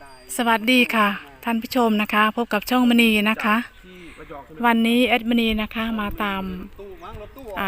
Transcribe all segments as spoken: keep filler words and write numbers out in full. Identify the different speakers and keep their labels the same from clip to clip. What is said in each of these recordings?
Speaker 1: สวัสดีค่ะท่านผู้ชมนะคะพบกับช่องมณีนะคะวันนี้แอดมณีนะคะมาตามอ่า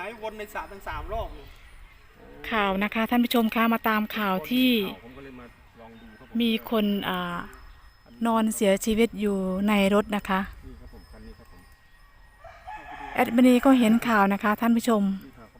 Speaker 1: ข่าวนะคะท่านผู้ชมคะมาตามข่าวที่มีคนอ่านอนเสียชีวิตอยู่ในรถนะคะแอดมณีก็เห็นข่าวนะคะท่านผู้ชม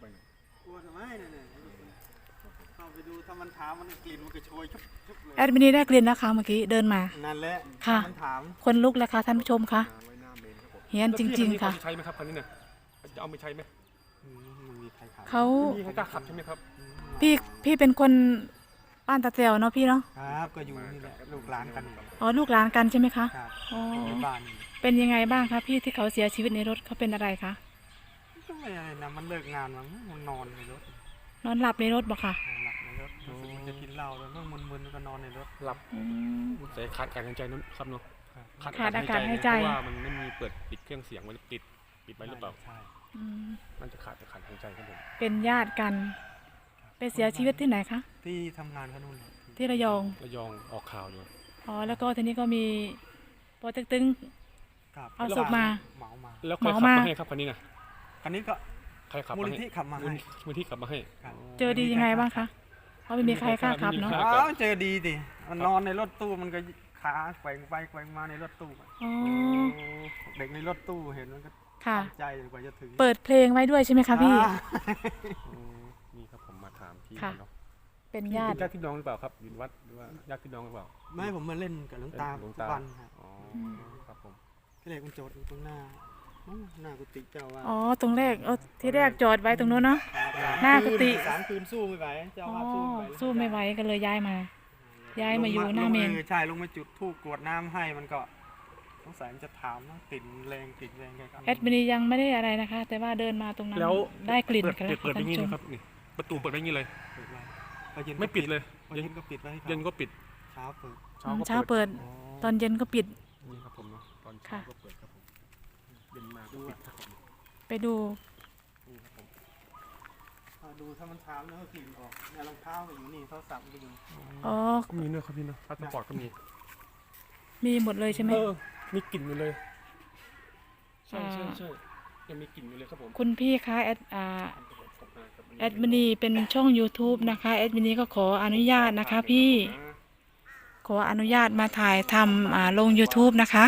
Speaker 1: แอดมินีได้กลิ่นนะคะเมื่อกี้เดินมานั่นแหละค่ะคนลุกแล้วค่ะท่านผู้ชมค่ะเฮียนจริงๆค่ะ
Speaker 2: ใช้ไหมครับคันนี้เนี่ยจะเอาไปใช้ไหม
Speaker 1: เขา
Speaker 2: พี่ให้กล้าขับใช่ไหมครับ
Speaker 1: พี่พี่เป็นคนบ้านตาเตียวเนาะพี่เนาะ
Speaker 3: ครับก็อยู่นี่แหละลูกหลานกัน
Speaker 1: อ๋อลูกหลานกันใช่ไหมคะ
Speaker 3: อ๋อบ้าน
Speaker 1: เป็นยังไงบ้างคะพี่ที่เขาเสียชีวิตในรถเขาเป็นอะไรคะ
Speaker 3: ก็ไม่อะไรนะมันเลิกงานมั้งมันนอนในรถ
Speaker 1: นอนหลับในรถบอกค่ะ
Speaker 3: หลับในรถรู้สึกมันจะกินเหล้าแล้วมันมึนๆก็นอนในรถ
Speaker 2: หลับแต่ขาดการหายใจนู้นครับเนาะ
Speaker 1: ขาดอากาศหายใจ
Speaker 2: เพราะว่ามันไม่มีเปิดปิดเครื่องเสียงไว้ปิดปิดไว้หรือเปล่า
Speaker 3: ใช่
Speaker 2: มันจะขาดขาดหายใจครับผม
Speaker 1: เป็นญาติกันไปเสียชีวิตที่ไหนคะ
Speaker 3: ที่ทำงานเขานู่น
Speaker 1: ที่ระยอง
Speaker 2: ระยองออกข่าวอยู่
Speaker 1: อ๋อแล้วก็ทีนี้ก็มีโปรเจกต์ตึงเอาศพมา
Speaker 3: เหมามา
Speaker 2: แล้วใครขับมาให้ครับคันนี้นะ
Speaker 3: คันนี้ก็
Speaker 2: ใครขับ
Speaker 3: มูลนิธิขับมาให้
Speaker 2: มูลนิธิขับมาให้
Speaker 1: เจอดียังไงบ้างคะเพราะไม่มีใครกล้าขับเนาะ
Speaker 3: อ๋อเจอดีดิมันนอนในรถตู้มันก็ขาแกว่งไปแกว่งมาในรถตู้เด็กในรถตู้เห็นมันก็ใจกว่าจะถึง
Speaker 1: เปิดเพลงไว้ด้วยใช่ไหมคะพี่
Speaker 2: นี่ครับผมมาถามพี่เนาะ
Speaker 1: เป็นญาติ
Speaker 2: ญาติพี่น้องหรือเปล่าครับอยู่วัดหรือว่าญาติพี่น้องหรือเปล่า
Speaker 3: ไม่ผมมาเล่นกับหลวงตาทุกวันครับ
Speaker 2: อ๋อครับผม
Speaker 3: ที่แรกมันจอดอยู่ตรงหน้าหน้ากุฏิเจ้าว่า
Speaker 1: อ๋อตรงแรกเออที่แรกจอดไว้ตรงนู้นเนาะหน้ากุฏิ
Speaker 3: สามคืนสู้ไม่ไหวเจ้าว่าสู้ไม่ไหว
Speaker 1: สู้ไม่ไหวก็เลยย้ายมาย้ายมาอยู่หน้าเมน
Speaker 3: ใช่ลงมาจุดธูปกรวดน้ำให้มันก็สงสัยมันจะถามนะกลิ่นแรงกลิ่นแรงแกก็
Speaker 1: แอดมินยังไม่ได้อะไรนะคะแต่ว่าเดินมาตรงนั้นได้กลิ่นกัน
Speaker 2: แล้วเปิดอย่างนี้นะครับนี่ประตูเปิดอย่างนี้เลยไม่ปิดเลย
Speaker 3: เย็นก็ปิดไว้
Speaker 2: เย็นก็ปิด
Speaker 3: เช้าเปิด
Speaker 1: เช้าเปิดตอนเย็นก็ปิด
Speaker 2: นี่ครับผมเนาะตอนเช้าก็เปิดครับผมเย็นมาก็ปิดครับผม
Speaker 1: ไปดู
Speaker 3: นี่ครับผมดูถ้ามันเช้าแล้วก็กลิ่นออกเนี่ยรองเท้าอยู่นี่เขาสับไปดู
Speaker 1: อ๋อ
Speaker 2: มีเนื้อครับพี่เนาะพาสปอร์ตก็มี
Speaker 1: มีหมดเลยใช่ไหม
Speaker 2: เออมีกลิ่นอยู่เลยใช่ใช่ใช่ยังมีกลิ่นอยู่เลยครับผม
Speaker 1: คุณพี่คะแอดอ่าแอดมินีเป็นช่อง ยูทูบ นะคะแอดมินีก็ขออนุญาตนะคะพี่ขออนุญาตมาถ่ายทำอ่าลง ยูทูบ นะคะ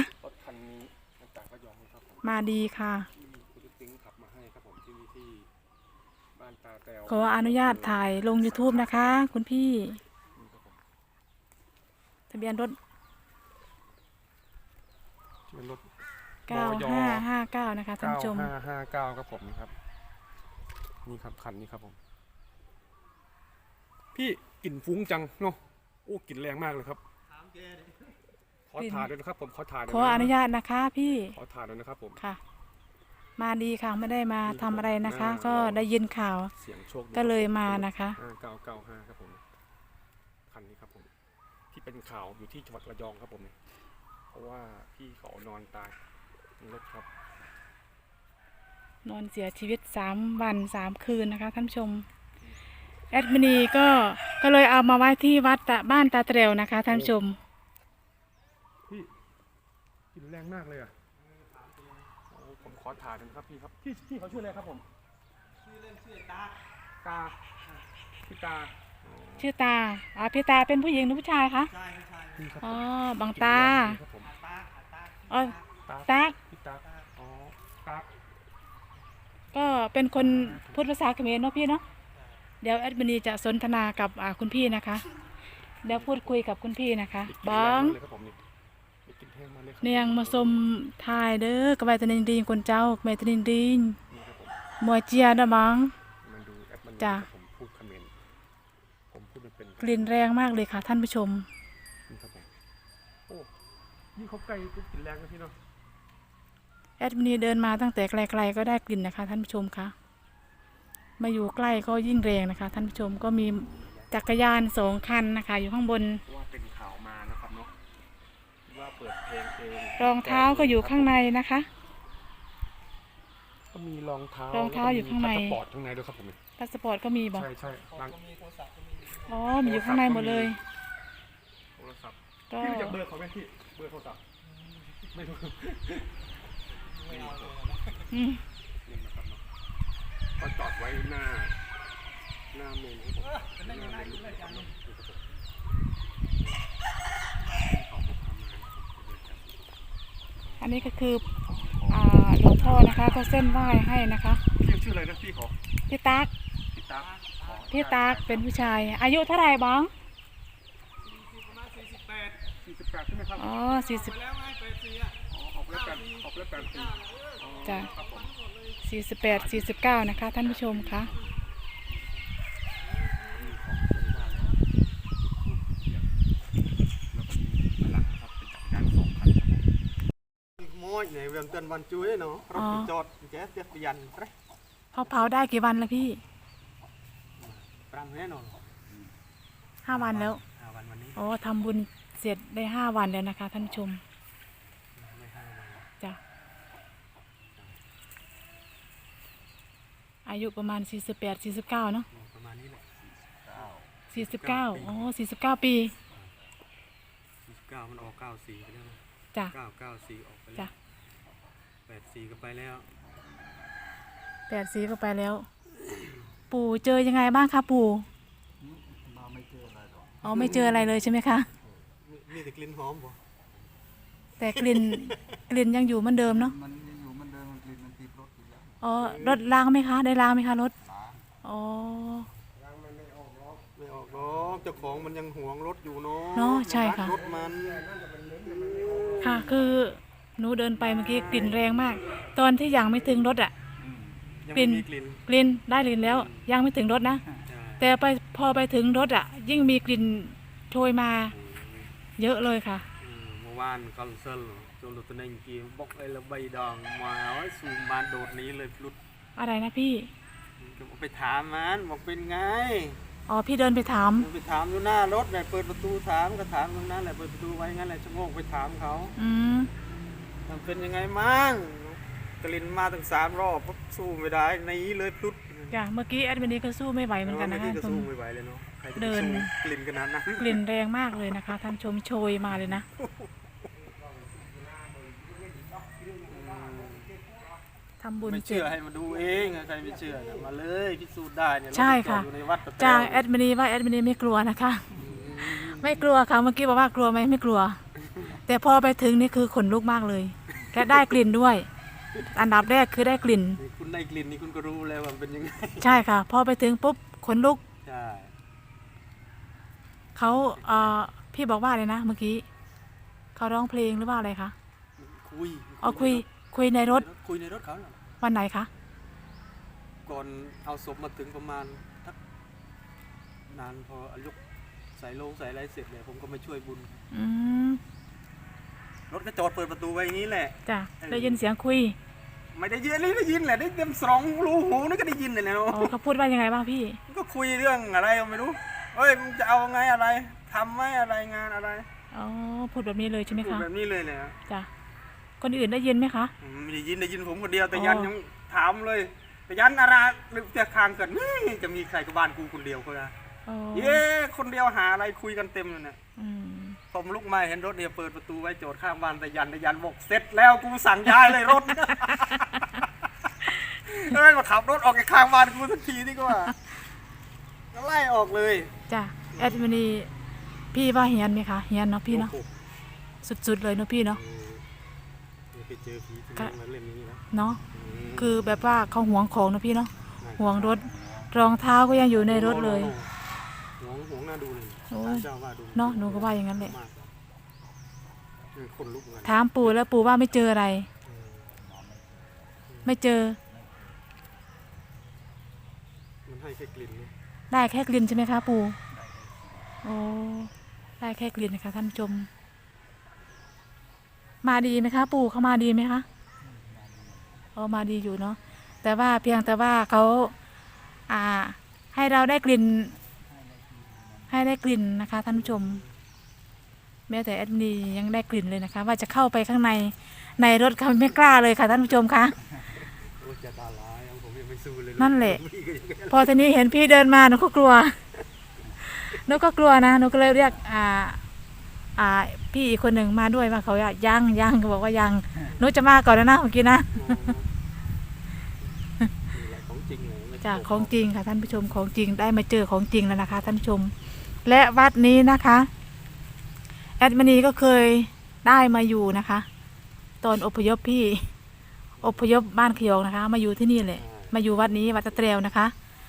Speaker 1: มาดีค่ะขออนุญาตถ่ายลง ยูทูบ นะคะคุณพี่ทะเบียนรถเก้าห้าห้าเก้านะคะท่านผู้ชม
Speaker 2: เก้าห้าห้าเก้าครับผมครับนี่ครับคันนี้ครับผมพี่กลิ่นฟุ้งจังเนาะโอ้กลิ่นแรงมากเลยครับขอถ่ายด้วยนะครับผมขอถ่าย
Speaker 1: ขออนุญาตนะคะพี่
Speaker 2: ขอถ่ายด้วยนะครับผม
Speaker 1: ค่ะมาดีค่ะไม่ได้มาทำอะไรนะคะ ก็ได้ยินข่าว
Speaker 2: เสียงโชค
Speaker 1: ก็เลยมานะคะ
Speaker 2: ห้าเก้าเก้าห้าครับผมคันนี้ครับผมที่เป็นข่าวอยู่ที่จังหวัดระยองครับผมเพราะว่าพี่เขานอนตายในรถครับ
Speaker 1: นอนเสียชีวิตสามวันสามคืนนะคะท่านผู้ชมแอดมินีก็ก็เลยเอามาไว้ที่วัดบ้านตาเตวนะคะท่านผู้ชม
Speaker 2: พี่กลิ่นแรงมากเลยอ่ะผมขอถ่ายนะครับพี่ครับพี่พี่เขาชื่ออะไรครับผม
Speaker 3: ชื่อเล่นชื่อตา
Speaker 2: ตาพี่ตา
Speaker 1: ชื่อตาอ๋อพี่ตาเป็นผู้หญิงหรือผู้ชายคะ
Speaker 3: ใช่ใช่
Speaker 1: อ๋อบางตาอ๋อตา
Speaker 2: พี่ตาอ๋อตา
Speaker 1: ก็เป็นคนพูดภาษาเขมรเนาะพี่เนาะเดี๋ยวแอดมินีจะสนทนากับคุณพี่นะคะเดี๋ยวพูดคุยกับคุณพี่นะคะบ้องเนียงมาสมทายเด้อกระบายตนินดีคนเจ้าเมตนินดีมวยเจียนะบ้องจ้ะกลิ่นแรงมากเลยค่ะท่านผู้ชม
Speaker 2: โอ้ยิ่งเขาไกลก็กลิ่นแรงนะพี่เนาะ
Speaker 1: แอดมินีเดินมาตั้งแต่ไกลๆก็ได้กลิ่นนะคะท่านผู้ชมคะมาอยู่ใกล้ก็ยิ่งแรงนะคะท่านผู้ชมก็มีจักรยานสองคันนะคะอยู่ข้างบน
Speaker 2: ว่าเป็นข่าวมานะครับเนาะว่าเปิดเพลงเอง
Speaker 1: รองเท้าก็อยู่ข้างในนะคะ
Speaker 2: ก็มีรองเท้าร
Speaker 1: องเท้าอยู่ข้างใน
Speaker 2: พาสปอร์ตข้างในด้วยครับผม
Speaker 1: พาสปอร์ตก็มีบอก
Speaker 2: ใช่ใช่
Speaker 1: อ๋อมีอยู่ข้างในหมดเลย
Speaker 2: โทรศัพท์
Speaker 1: ก็
Speaker 2: พี่รู้จักเบอร์เขาไหมพี่เบอร์โทรศัพท์ไม่รู้
Speaker 3: ไม่เอาเลย
Speaker 1: อืม
Speaker 2: นี่นะครับเนาะก็จอดไว้หน้าหน้าเมนครับผมหน้าเมนนะครับเนาะนี่ครับผมเขาบอกทำงาน
Speaker 1: อันนี้ก็คืออ่าหลวงพ่อนะคะ ก็เส้นไหว้ให้นะคะ
Speaker 2: พี่ชื่ออะไรนะพี่ขอ
Speaker 1: พี่ตั๊ก
Speaker 2: พี่ตั๊กขอ
Speaker 1: พี่ตั๊กเป็นผู้ชาย อายุเท่าไหร่บ้าง
Speaker 3: ประมาณสี่สิบแปด
Speaker 2: สี่สิบแปดใช่ไหมครับ
Speaker 1: อ๋อสี่สิบ
Speaker 3: ไปแล้วไงแปดสี่อ่ะ
Speaker 2: อ๋อออกแล้วแปดออกแล้วแปดปีอ๋อ
Speaker 1: จ้ะ
Speaker 2: ครับผม
Speaker 1: สี่สิบแปดสี่สิบเก้านะคะท่านผู้ชมคะ
Speaker 2: แล้วก็มีหลังนะครับเป็นจักรยานสองคันครับผม
Speaker 3: มอยไหนเวียนเตือนวันจุ้ยเนาะรถไปจอดแจ๊สเตียบยันไป
Speaker 1: เขาเผาได้กี่วันแล้วพี่
Speaker 3: ปรามแน่นอน
Speaker 1: ห้าวันแล้ว
Speaker 3: ห้าวันวันนี้
Speaker 1: อ๋อทำบุญเสร็จได้ห้าวันแล้วนะคะท่านผู้ชม
Speaker 3: ไม่ห้าวัน
Speaker 1: จ้ะอายุประมาณสี่สิบแปดสี่สิบเก้าเนาะ
Speaker 3: ประมาณนี้แหละ
Speaker 1: สี่สิบเก้าอ๋อสี่สิบเก้าปี
Speaker 3: สี่สิบเก้ามันออกเก้าสี่ไปแล้วนะ
Speaker 1: จ้ะ
Speaker 3: เก้าเก้าสี่ออกไปแล้
Speaker 1: จ้ะ
Speaker 3: วแปดสี่ก็ไปแล้ว
Speaker 1: แปดสีก็ไปแล้ว ปู่เจอยังไงบ้างคะปู่
Speaker 3: มาไม่เจออะไรหรอก
Speaker 1: อ๋อไม่เจออะไรเลยใช่ไหมคะ
Speaker 3: มีแต่กลิ่นหอมบ่
Speaker 1: แต่กลิ่น กลิ่นยังอยู่เหมือนเดิมเนาะ
Speaker 4: มันยังอยู่มันเดินมันกลิ่นมันติดรถอยู่แล้ว
Speaker 1: อ๋อรถล้างไหมคะ ได้ล้างไหมคะรถ
Speaker 4: ล้าง
Speaker 1: อ๋อ
Speaker 3: ไม่ออกหรอกเจ้าของมันยังหวงรถอยู่เนาะ
Speaker 1: เนาะใช่ค่ะ
Speaker 3: รถมัน
Speaker 1: ค่ะคือหนูเดินไปเมื่อกี้กลิ่นแรงมาก ตอนที่ยังไม่ถึงรถอะ
Speaker 3: ยัง
Speaker 1: กลิ่
Speaker 3: ไม่
Speaker 1: น
Speaker 3: มีกลิ่น
Speaker 1: กลิ่นได้กลิ่นแล้ว ยังไม่ถึงรถนะ
Speaker 3: ใช่
Speaker 1: แต่ไปพอไปถึงรถอะยิ่งมีกลิ่นโชยมาเยอะเลยค่ะ
Speaker 3: อืมเมื่อวานคอนเสิร์ตจนรถตัวนึงกี่บอกไอ้ละใบดองมาไอ้สูงบานโดดหนี้เลยลุด
Speaker 1: อะไรนะพี่
Speaker 3: ก็ไปถามมันบอกเป็นไง
Speaker 1: อ๋อพี่เดินไปถาม
Speaker 3: ไปถามอยู่หน้ารถเนี่ยเปิดประตูถามก็ถามตรงนั้นแหละเปิดประตูไว้งั้นแหละชะโงกไปถามเขา
Speaker 1: อืม
Speaker 3: มันเป็นยังไงมั่งกลิ่นมาตั้งสามรอบปุ๊บสู้ไม่ได้หนีเลยพลุด
Speaker 1: จ้ะเมื่อกี้แอดมินนี้ก็สู้ไม่ไหวเหมือนกันนะ
Speaker 3: เมื่
Speaker 1: คะ
Speaker 3: กี้ก็
Speaker 1: ตรง
Speaker 3: สู้ไม่ไหวเลยเนาะใครจะไป
Speaker 1: เดิน
Speaker 3: สู้กลิ่นขนาดนั้น
Speaker 1: กลิ่นแรงมากเลยนะคะ ท่านชมโชยมาเลยนะทำบุญ
Speaker 3: ไม่
Speaker 1: เสร็
Speaker 3: เชื่
Speaker 1: จ
Speaker 3: อให้มาดูเองใครไม่เชื่อเนี่ยมาเลยพิสูจน์ได้เนี่ย
Speaker 1: ใช่ค่ะ
Speaker 3: รถจอดอยู่ในวัดตะแต๋ว
Speaker 1: จากแอดมินีว่าแอดมินีไม่กลัวนะคะ ไม่กลัวค่ะเมื่อกี้บอกว่ากลัวไหมไม่กลัว แต่พอไปถึงนี่คือขนลุกมากเลยแค่ได้กลิ่นด้วย อันดับแรกคือได้กลิ่น
Speaker 3: นี่คุณได้กลิ่นนี่คุณก็รู้แล้วว่ามันเป็นยังไง
Speaker 1: ใช่ค่ะ พอไปถึงปุ๊บขนลุก
Speaker 3: ใช่
Speaker 1: เขาเอ่อพี่บอกว่าอะไรนะเมื่อกี้เขาร้องเพลงหรือว่าอะไรคะ
Speaker 3: คุย
Speaker 1: อ๋อคุยคุยในรถ
Speaker 3: คุยในรถเขาเหรอ
Speaker 1: วันไหนคะ
Speaker 3: ก่อนเอาศพมาถึงประมาณทักนานพออายุใส่โลงใส่อะไรเสร็จเลยผมก็มาช่วยบุญ
Speaker 1: อืม
Speaker 3: รถก็จอดเปิดประตูไว้อย่างนี้แหละ
Speaker 1: จ้ะได้ยินเสียงคุย
Speaker 3: ไม่ได้ยินนี่ได้ยินแหละได้เต็มสองรูหูนี่ก็ได้ยินเลยนะ
Speaker 1: อ๋อเขาพูดว่ายังไงบ้างพี่
Speaker 3: ก็คุยเรื่องอะไรก็ไม่รู้เฮ้ยมึงจะเอาไงอะไรทำไหมอะไรงานอะไร
Speaker 1: อ๋อพูดแบบนี้เลยใช่ไหม
Speaker 3: พูด
Speaker 1: คะ
Speaker 3: แบบนี้เลยเลย
Speaker 1: จ้ะคนอื่นได้ยินไหมคะ
Speaker 3: ไม่ได้ยินได้ยินผมคนเดียวแต่
Speaker 1: อ๋อ
Speaker 3: ยันยังถามเลย แต่ยันอะไรหรือจะคางเกิดนี่จะมีใครกับบ้านกูคนเดียวเขานะ
Speaker 1: อ๋อ
Speaker 3: เย้คนเดียวหาอะไรคุยกันเต็มเลยเนี่ย
Speaker 1: อืม
Speaker 3: ผมลุกมาเห็นรถเนี่ยเปิดประตูไว้โจทย์ข้างบ้านแต่ยันแต่ยันบอกเสร็จแล้วกูสั่งย้ายเลยรถ เฮ้ยมาขับรถออกจากข้างบ้านกูสักทีนี่ก็ว่าก็ไล่ออกเลย
Speaker 1: จ้ะแอดมินีพี่ว่าเฮียนไหมคะเฮียนเนาะพี่เนาะ
Speaker 3: โอ้โห
Speaker 1: สุดๆเลยเนาะพี่เนาะ
Speaker 3: เออไปเจอผีที่
Speaker 1: ก็
Speaker 3: นั่งมาเล่นอย่างนี้นะ
Speaker 1: เนาะ
Speaker 3: ม
Speaker 1: คือแบบว่าเขาหวงของเนาะพี่เนาะหวงรถรองเท้าก็ยังอยู่ในรถเลย
Speaker 3: หวงหวงหน้าดูเลย
Speaker 1: โอ้ย
Speaker 3: เจ้าว่าดู
Speaker 1: เนาะหนูก็ว่าอย่างนั้นแหละ
Speaker 3: มากเออคนลุกเหมือนกัน
Speaker 1: ถามปู่แล้วปู่ว่าไม่เจออะไร
Speaker 3: เออ
Speaker 1: ไม่เจอ
Speaker 3: มันให้แค่กลิ่นนะ
Speaker 1: ได้แค่กลิ่นใช่ไหมคะปู่โอ้ได้แค่กลิ่นนะคะท่านผู้ชม มาดีไหมคะ ปู่เขามาดีไหมคะอ๋อมาดีอยู่เนาะแต่ว่าเพียงแต่ว่าเขาอ่า ให้เราได้กลิ่น ให้ได้กลิ่นนะคะท่านผู้ชม แม้แต่แอดมินยังได้กลิ่นเลยนะคะ ว่าจะเข้าไปข้างในในรถเขาไม่กล้าเลยค่ะท่านผู้ชมคะ
Speaker 3: โอ้ยจะตาลายเอาผมยังไม่สู้เลย
Speaker 1: นั่นแหละ
Speaker 3: พี่ก็ยัง
Speaker 1: พอทีนี้เห็นพี่เดินมาหนูก็กลัวหนูก็กลัวนะหนูก็เลยเรียกอ่าอ่าพี่อีกคนหนึ่งมาด้วยมาเขาว่ายังยังก็บอกว่ายังหนุจะมาก่อนนะนะเมื่อกี้นะ
Speaker 3: นี่แหละของจริงเลยไม่
Speaker 1: จาก
Speaker 3: โกหก
Speaker 1: ของจริงค่ะท่านผู้ชมของจริงได้มาเจอของจริงแล้วนะคะท่านผู้ชม และวัดนี้นะคะแอดมินีก็เคยได้มาอยู่นะคะ ตอนอพยพพี่อพยพบ้านขยองนะคะ มาอยู่ที่นี่แหละมาอยู่วัดนี้วัดตะเตรวนะคะ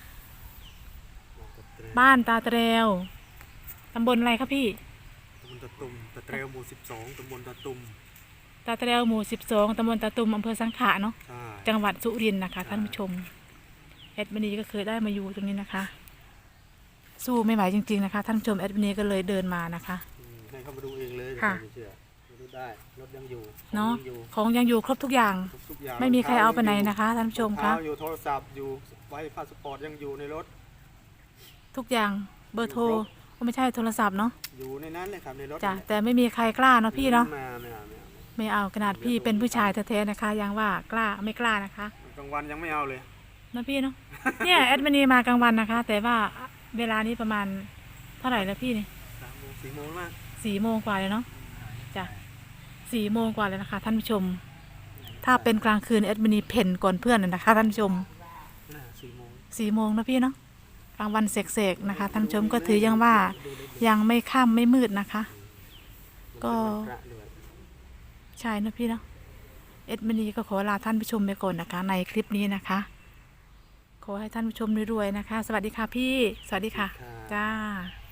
Speaker 1: บ้านตาเตรวตำบลอะไรครับพี่
Speaker 3: ตำบลตะตุ่มตะเตรวหมู่สิบสองตำบลตะตุ่ม
Speaker 1: ตาเตรวหมู่สิบสองตำบลตาตุมอำเภอสังขะเนาะ
Speaker 3: ใช่
Speaker 1: จังหวัดสุรินทร์นะคะ
Speaker 3: ใช่
Speaker 1: ท่านผู้ชมแอดมินีก็เคยได้มาอยู่ตรงนี้นะคะ สู้ไม่ไหวจริงๆนะคะ ท่านผู้ชมแอดมินีก็เลยเดินมานะคะ
Speaker 3: อืมให้เขามาดูเองเลย
Speaker 1: ค่ะ
Speaker 3: ไม่เชื่อมาดูได้รถยังอยู่
Speaker 1: เนาะ
Speaker 3: ของยังอยู่
Speaker 1: ของยังอยู่ครบทุกอย่าง
Speaker 3: ครบทุกอย่าง
Speaker 1: ไม่มีใครเอาไปไหนนะคะท่านผู้ชม
Speaker 3: รอง
Speaker 1: คะ
Speaker 3: เท้าอยู่โทรศัพท์อยู่ไว้พาสปอร์ตยังอยู่ในรถ
Speaker 1: ทุกอย่างเบอร์โทรก็ไม่ใช่โทรศัพท์เนาะ
Speaker 3: อยู่ในนั้นเลยครับในรถ
Speaker 1: จ้ะ
Speaker 3: นั่นแหละ
Speaker 1: แต่ไม่มีใครกล้าเนาะพี่เนาะ
Speaker 3: ไม่เอาไม่เอาไม่เอา
Speaker 1: ไม่เอาขนาดพี่เป็นผู้ชายแท้ๆนะคะ ยังว่ากล้าไม่กล้านะคะ
Speaker 3: กลางวันยังไม่เอาเลย
Speaker 1: เนาะพี่เนาะเนี่ยแอดมินีมากลางวันนะคะ แต่ว่าเวลานี้ประมาณเท่าไหร่แล้วพี่นี่
Speaker 3: สามโมงสี่โมงมาก
Speaker 1: สี่โมงกว่าเลยเนาะจ้ะสี่โมงกว่าเลยนะคะ ท่านผู้ชม ถ้าเป็นกลางคืนแอดมินีเพ่นก่อนเพื่อนน่ะนะคะ ท่านผู้ชม
Speaker 3: น่าสี่โมง
Speaker 1: สี่โมงนะพี่เนาะกลางวันเสกๆนะคะท่านผู้ชมก็ถือยังว่ายังไม่ค่ำไม่มืดนะคะ ก็
Speaker 3: พระด้วย
Speaker 1: ใช่นะพี่เนาะเอ็ดมินีก็ขอลาท่านผู้ชมไปก่อนนะคะ ในคลิปนี้นะคะ ขอให้ท่านผู้ชมรวยๆนะคะ สวัสดีค่ะพี่ สวัสดีค่ะ
Speaker 3: ค่ะ
Speaker 1: จ้า